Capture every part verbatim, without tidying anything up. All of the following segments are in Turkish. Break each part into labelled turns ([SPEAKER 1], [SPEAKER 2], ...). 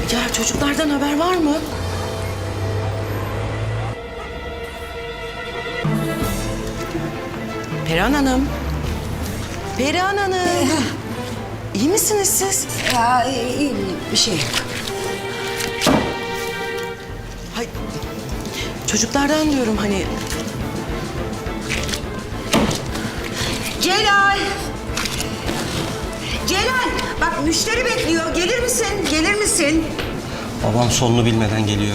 [SPEAKER 1] Ya çocuklardan haber var mı? Perihan Hanım. Perihan Hanım. İyi misiniz siz?
[SPEAKER 2] Ya iyi, iyi, bir şey yok.
[SPEAKER 1] Hay, çocuklardan diyorum hani.
[SPEAKER 2] Celal! Celal! Bak müşteri bekliyor. Gelir misin? Gelir misin?
[SPEAKER 3] Babam sonunu bilmeden geliyor.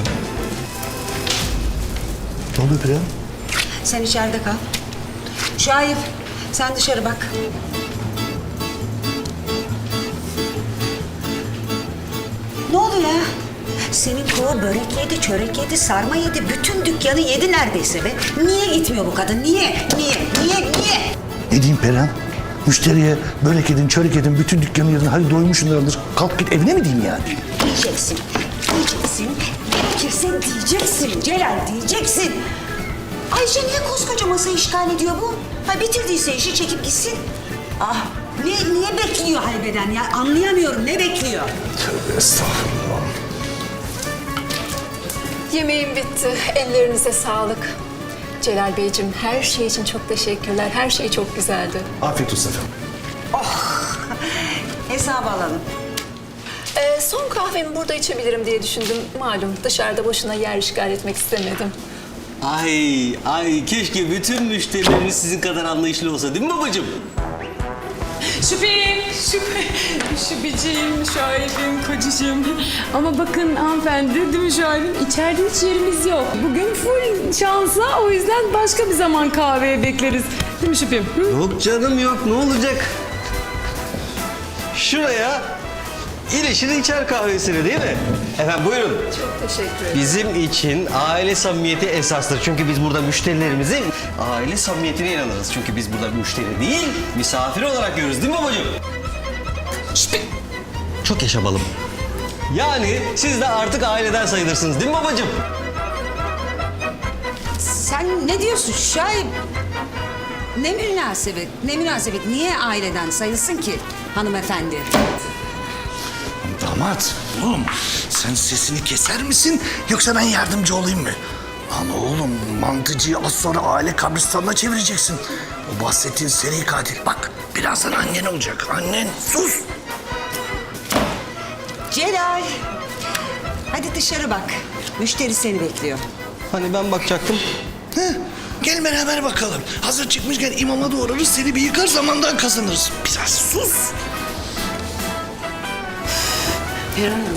[SPEAKER 4] Ne oluyor Perihan?
[SPEAKER 2] Sen içeride kal. Şahip, sen dışarı bak. Ne oluyor ya? Senin kova börek yedi, çörek yedi, sarma yedi, bütün dükkanı yedi neredeyse be. Niye gitmiyor bu kadın? Niye? Niye? Niye? Niye?
[SPEAKER 4] Ne diyeyim Perihan? Müşteriye börek edin, çörek edin, bütün dükkanı yedin. Hadi doymuşsunlardır. Kalk git evine mi diyeyim yani?
[SPEAKER 2] Diyeceksin. Diyeceksin. Gerekirse diyeceksin. Celal diyeceksin. Ayşe niye koskoca masayı işgal ediyor bu? Ha bitirdiyse işi çekip gitsin. Ah ne, niye bekliyor halbeden ya? Anlayamıyorum ne bekliyor?
[SPEAKER 4] Tövbe estağfurullah.
[SPEAKER 5] Yemeğim bitti. Ellerinize sağlık. Celal Beyciğim her şey için çok teşekkürler. Her şey çok güzeldi.
[SPEAKER 4] Afiyet olsun efendim.
[SPEAKER 2] Hesabı alalım.
[SPEAKER 5] Ee, son kahvemi burada içebilirim diye düşündüm. Malum dışarıda boşuna yer işgal etmek istemedim.
[SPEAKER 3] Ay, ay keşke bütün müşterileriniz sizin kadar anlayışlı olsa değil mi babacığım?
[SPEAKER 6] Şüpheyim, şüphe, şüpheciyim, şahibim, kocacığım. Ama bakın hanımefendi, değil mi şahibim? İçeride hiç yerimiz yok. Bugün full şansa, o yüzden başka bir zaman kahveye bekleriz. Değil mi şüphem? Hı?
[SPEAKER 3] Yok canım yok, ne olacak? Şuraya ilişir içer kahvesini değil mi? Efendim buyurun.
[SPEAKER 5] Çok teşekkür ederim.
[SPEAKER 3] Bizim için aile samimiyeti esastır. Çünkü biz burada müşterilerimizin aile samimiyetine inanırız. Çünkü biz burada müşteri değil, misafir olarak görürüz değil mi babacığım? Şşt! Çok yaşamalım. Yani siz de artık aileden sayılırsınız değil mi babacığım?
[SPEAKER 2] Sen ne diyorsun Şahip? Ne münasebet, ne münasebet. Niye aileden sayılsın ki hanımefendi?
[SPEAKER 4] Damat, oğlum sen sesini keser misin yoksa ben yardımcı olayım mı? Lan oğlum mantıcıyı az sonra aile kabristanına çevireceksin. O bahsettiğin seri katil. Bak birazdan annen olacak. Annen sus.
[SPEAKER 2] Celal! Hadi dışarı bak. Müşteri seni bekliyor.
[SPEAKER 3] Hani ben bakacaktım.
[SPEAKER 4] Heh, gel beraber bakalım. Hazır çıkmışken imama doğrarız seni bir yıkar zamandan kazanırız. Biraz sus.
[SPEAKER 1] Perihan Hanım.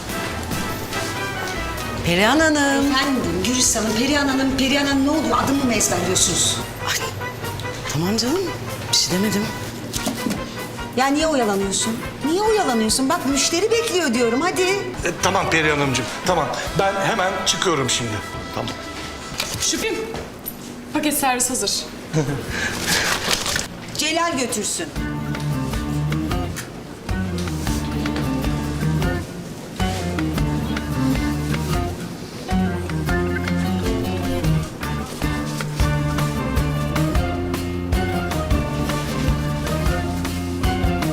[SPEAKER 1] Perihan Hanım.
[SPEAKER 2] Efendim Gülistan'ın, Perihan Hanım, Perihan Hanım ne oluyor? Adımı mı ezberliyorsunuz?
[SPEAKER 1] Ay, tamam canım. Bir şey demedim.
[SPEAKER 2] Ya niye oyalanıyorsun? Niye oyalanıyorsun? Bak müşteri bekliyor diyorum hadi.
[SPEAKER 4] E, tamam Perihan Hanımcığım, tamam. Ben hemen çıkıyorum şimdi. Tamam.
[SPEAKER 6] Şüphem, paket servis hazır.
[SPEAKER 2] Celal götürsün.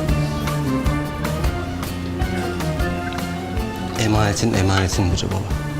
[SPEAKER 3] Emanetin emanetin Hoca Baba.